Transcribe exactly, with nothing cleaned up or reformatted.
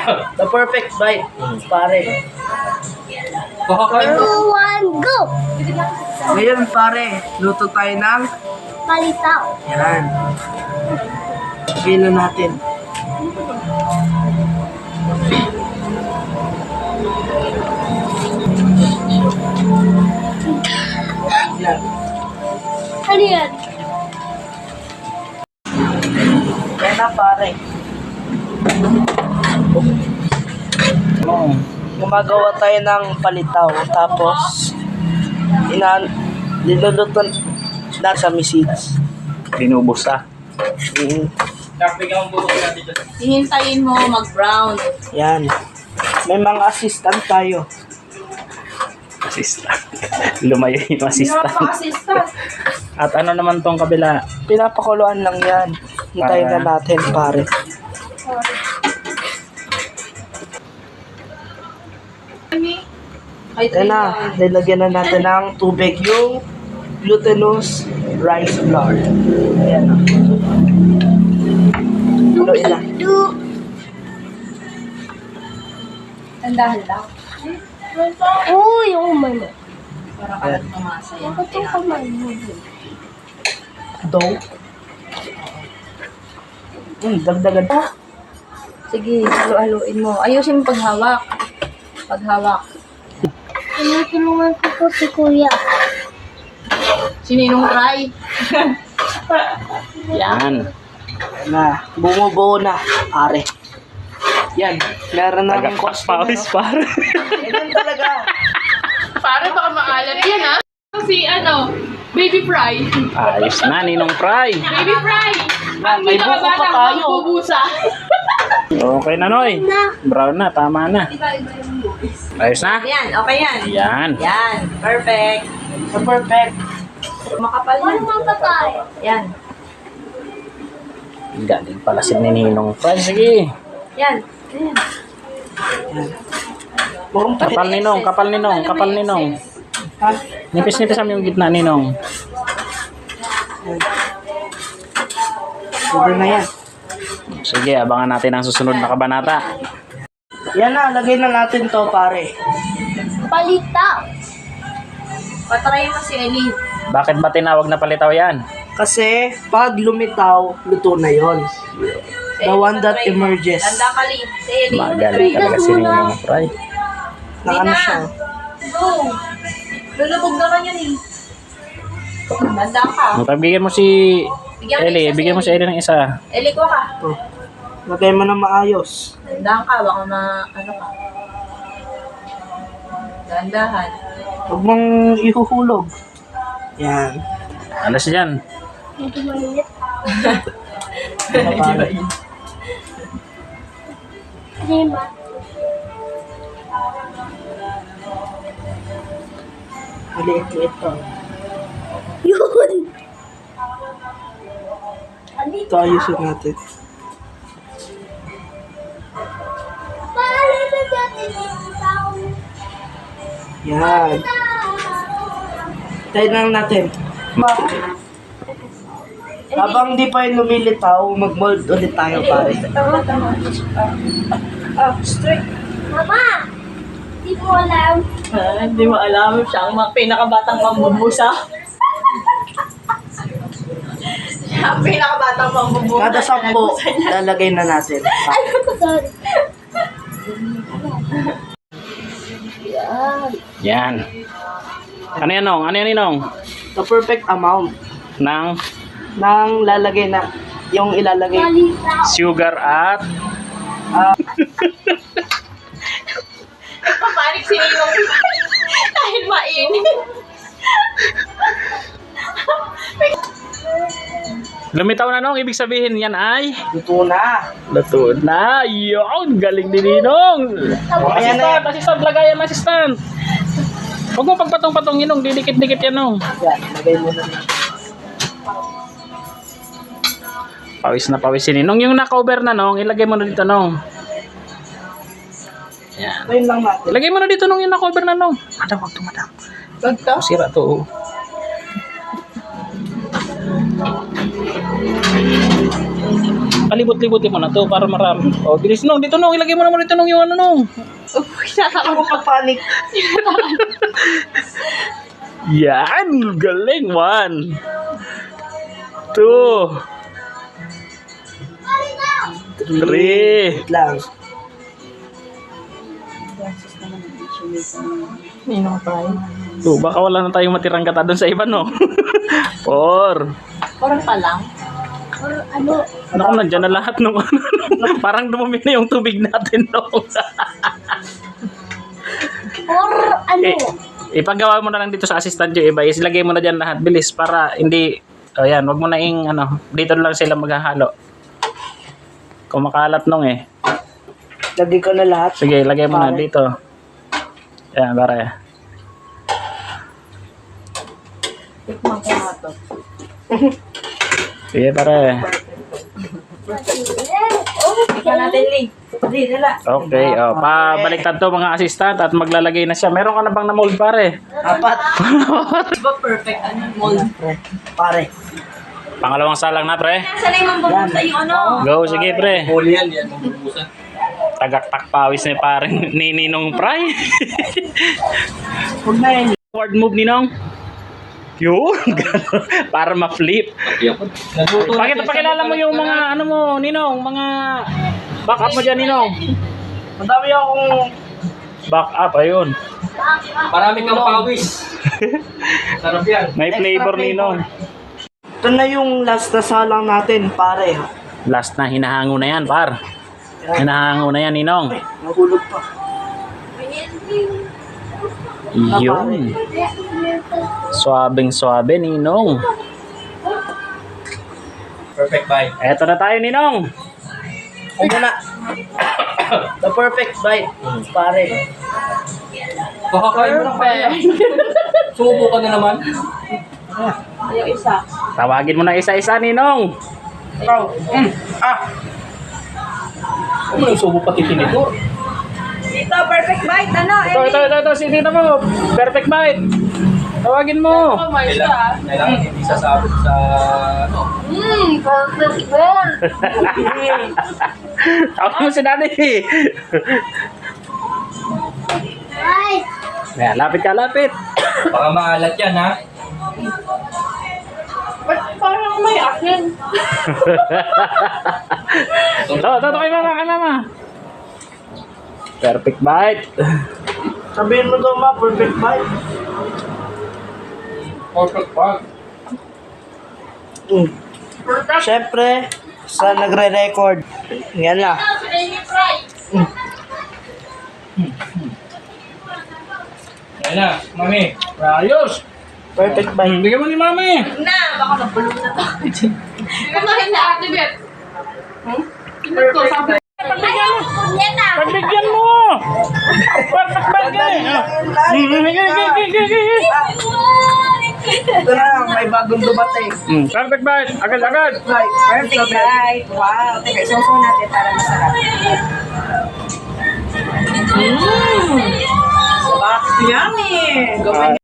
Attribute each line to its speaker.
Speaker 1: The perfect bite, pare.
Speaker 2: Two, one, go!
Speaker 1: Ngayon, pare, luto tayo ng
Speaker 2: Palitaw.
Speaker 1: yan. Gila natin. Yan.
Speaker 2: Ano yan?
Speaker 1: Yan na, pare.
Speaker 3: Oh.
Speaker 1: Gumagawa tayo ng palitaw. Tapos, ina niluluto na sa seeds.
Speaker 3: Binubos ah.
Speaker 1: Mm.
Speaker 4: Hihintayin mo mag-brown.
Speaker 1: Yan. May mga assistant tayo.
Speaker 3: Assistant. Lumayo yung assistant.
Speaker 4: Assistant.
Speaker 3: At ano naman tong kabila?
Speaker 1: Pinapakuluan lang yan. Hintayin na natin, pare.
Speaker 4: Ay,
Speaker 1: Yan na. Nilagyan na natin ng tubig yung glutinous rice flour. Ayan na. Haluin na.
Speaker 2: Two.
Speaker 4: Tandahan lang.
Speaker 2: Uy, yung umay mo.
Speaker 4: Para ka lang pumasa yan.
Speaker 2: Bakit yung kamay mo?
Speaker 1: Dough. Hmm, dagdagan pa.
Speaker 4: Sige, halo-haloin mo. Ayusin mo paghawak. Paghawak.
Speaker 2: Tinutulungan ko po si Kuya.
Speaker 4: Sininong try?
Speaker 3: Yan.
Speaker 1: Na, bumubuo na, pare. Yan, meron na ng
Speaker 3: Pawis par.
Speaker 1: Ganyan talaga.
Speaker 5: Para baka maalat yan, ha? Kasi ano, baby fry.
Speaker 3: Ayos na, Ninong Fry.
Speaker 5: Baby fry!
Speaker 1: Yan, may buko pa tayo.
Speaker 5: Magbubusa.
Speaker 3: Okay na, Noy. Brown na, tama na. Ayos na?
Speaker 4: Yan, okay yan.
Speaker 3: Yan.
Speaker 4: Yan, perfect.
Speaker 1: So perfect.
Speaker 4: Makapal
Speaker 2: Ano
Speaker 4: yan.
Speaker 2: mga patay?
Speaker 4: Yan.
Speaker 3: Galing pala si Ninong Fry. Sige.
Speaker 4: Yan. Yan.
Speaker 1: Mukhang pahit.
Speaker 3: Kapal Ninong, kapal Ninong, kapal Ninong.
Speaker 1: Ha?
Speaker 3: Nipis-nipis ang yung gitna, Ninong.
Speaker 1: Pwede na yan.
Speaker 3: Sige, abangan natin ang susunod na kabanata.
Speaker 1: Yan na, lagay na natin to, pare.
Speaker 2: Palitaw.
Speaker 4: Patry mo si Ellie.
Speaker 3: Bakit ba tinawag na palitaw yan?
Speaker 1: Kasi, pag lumitaw, luto na yon. The one that emerges.
Speaker 4: Tanda ka, Lee. Si Ellie.
Speaker 3: Magaling talaga si Ninong Fry.
Speaker 1: Na ano siya.
Speaker 4: Go. Lulubog naman yan eh. Tanda ka.
Speaker 3: Pagbigyan mo si
Speaker 4: Bigyan mo
Speaker 3: Ellie,
Speaker 4: isa
Speaker 3: bigyan mo si Ellie ng isa.
Speaker 4: Ellie ko ka.
Speaker 1: Oh. Lagay mo na maayos.
Speaker 4: Tandaan ka. Baka ma... Ano ka. Dandahan.
Speaker 1: Huwag mong ihuhulog. Yan.
Speaker 3: Alas yan.
Speaker 2: Hindi mainit.
Speaker 1: Ano, pare?
Speaker 2: Lima.
Speaker 1: Maliit-liit to.
Speaker 2: Yun.
Speaker 1: Ito ayusin natin.
Speaker 2: Palitan natin yung tao.
Speaker 1: Yan. Tayo lang natin. Habang di pa yung lumilitaw, mag-mold ulit tayo, pare.
Speaker 4: Tama, tama. Ah, straight.
Speaker 2: Mama! Hindi mo alam.
Speaker 4: Ah, hindi mo alam. Siya ang mga pinakabatang mambubusa. Siya ang pinakabatang mambubusa.
Speaker 1: Kada sampo, lalagay na natin.
Speaker 2: Sorry.
Speaker 3: Yan. Ano yan, Nong? Ano yan, Ninong?
Speaker 1: The perfect amount
Speaker 3: Ng
Speaker 1: ng lalagay na, yung ilalagay.
Speaker 2: Palitaw.
Speaker 3: sugar at
Speaker 4: Papanik si Ninong. Dahil mainit.
Speaker 3: lumitaw na, Nong. Ibig sabihin yan ay
Speaker 1: Luto na.
Speaker 3: luto na. Yun, galing ni Ninong.
Speaker 1: Ayan na yan.
Speaker 3: Assistant, assistant, lagayan, assistant. Huwag mo pagpatong-patong, Ninong. Didikit-dikit yan, Nong.
Speaker 1: Yan, lagay mo na.
Speaker 3: Pawis na pawis si Ninong. Yung naka-over na, Nong, ilagay mo na dito, Nong. Yan.
Speaker 1: Ngayon lang natin.
Speaker 3: Ilagay mo na dito, Nong, yung naka-over na, Nong. Madam, wag to, madam.
Speaker 4: Bagto?
Speaker 3: Sira to. oh. Palibot-libutin mo na to para marami. Oh, bilis nung. Dito nung. Ilagay mo naman dito nung yung ano nung.
Speaker 1: Ako papanik.
Speaker 3: Yan. Galing. One. Two. Three.
Speaker 1: Wait lang.
Speaker 4: Ninong fry.
Speaker 3: Oh, baka wala na tayong matirang kata doon sa iba, no? Four.
Speaker 4: Parang pa lang.
Speaker 2: Or ano?
Speaker 3: Naku, nandyan na lahat nung ano. Parang dumumi na yung tubig natin, no?
Speaker 2: Or ano?
Speaker 3: Eh, ipagawa mo na lang dito sa assistant yung iba. Isilagay mo na dyan lahat. Bilis para hindi... O yan, wag mo na ing ano. Dito lang sila maghahalo. Kumakalat nung eh.
Speaker 1: Lagay ko na lahat.
Speaker 3: Sige, lagay mo na
Speaker 1: Pare.
Speaker 3: dito. Yan, pare.
Speaker 4: Tikman ko nga to.
Speaker 3: Sige, pare.
Speaker 4: Tikman natin, Lee. Hindi, nila.
Speaker 3: Okay, oh, pabaliktad to mga assistant at maglalagay na siya. Meron ka na bang na-mold, pare?
Speaker 1: Apat.
Speaker 4: Di ba perfect? Ano yung mold?
Speaker 1: Pare.
Speaker 3: Pangalawang salang na, pre.
Speaker 4: Saan yung mabubuta yung ano?
Speaker 3: Go, sige, pre.
Speaker 6: Huli yan, yan, mabubusan.
Speaker 3: Tagaktak pawis ni parang ni Ninong Pry.
Speaker 1: Huwag na yan.
Speaker 3: Forward move, Ninong. Yun, gano'n. Para ma-flip.
Speaker 6: Naguto na
Speaker 3: Pakita, pakilala mo yung mga, ano mo, Ninong, mga back up mo dyan, Ninong.
Speaker 1: Madami akong...
Speaker 3: Back up, ayun.
Speaker 6: Marami kang pawis. Sarap yan.
Speaker 3: May flavor, Ninong.
Speaker 1: Ito na yung last na salang natin, pare.
Speaker 3: Last na, hinahango na yan, par. Hinahango na yan, Ninong.
Speaker 1: Ay, nahulog pa.
Speaker 3: Yun. Swabing swabe, Ninong.
Speaker 6: Perfect bite.
Speaker 3: Eto na tayo, Ninong.
Speaker 1: Huwag na. The perfect bite, pare.
Speaker 6: Kakakain mo lang kaya. Subo ka na naman.
Speaker 4: Yung isa.
Speaker 3: Tawagin mo na isa-isa, Ninong.
Speaker 1: Ikaw. Mm. Ah.
Speaker 6: Huwag mo lang subo pati tinito.
Speaker 4: Dito, perfect bite. Ano,
Speaker 3: Ito, ito, ito, ito. Si Tita mo. Perfect bite. Tawagin mo.
Speaker 5: Oh my
Speaker 6: Kailangan,
Speaker 5: God.
Speaker 6: kailangan hindi sasabot sa ano.
Speaker 2: Mmm, perfect ball.
Speaker 3: Tawagin mo si Daddy.
Speaker 2: Ay,
Speaker 3: Ayan, lapit ka, lapit.
Speaker 6: Baka maalat yan ha.
Speaker 5: Ba't parang may akin?
Speaker 3: Ito, ito, ito kay mama, kay mama. Perfect bite.
Speaker 1: Sabihin mo daw ma, perfect bite.
Speaker 6: Perfect bite.
Speaker 1: Mm. Siyempre, sa nagre-record. Yan na.
Speaker 6: Ayan na, mami.
Speaker 3: Ayos.
Speaker 1: Perfect bite.
Speaker 3: Bigyan mo ni mami.
Speaker 4: na. Baka nabulong na to.
Speaker 5: Kumain na ate Bet. Hmm? Ito, sabi.
Speaker 3: Pagbigyan mo.
Speaker 2: yan na.
Speaker 3: Pagbigyan mo. Perfect bite ka eh.
Speaker 1: Ito na lang, may bagong dumating.
Speaker 3: Mm, perfect bite. Agad, agad.
Speaker 1: Right, perfect bite.
Speaker 4: Wow. Teka, isuso natin para masarap. Mmm. Sarap. Yummy. Gawin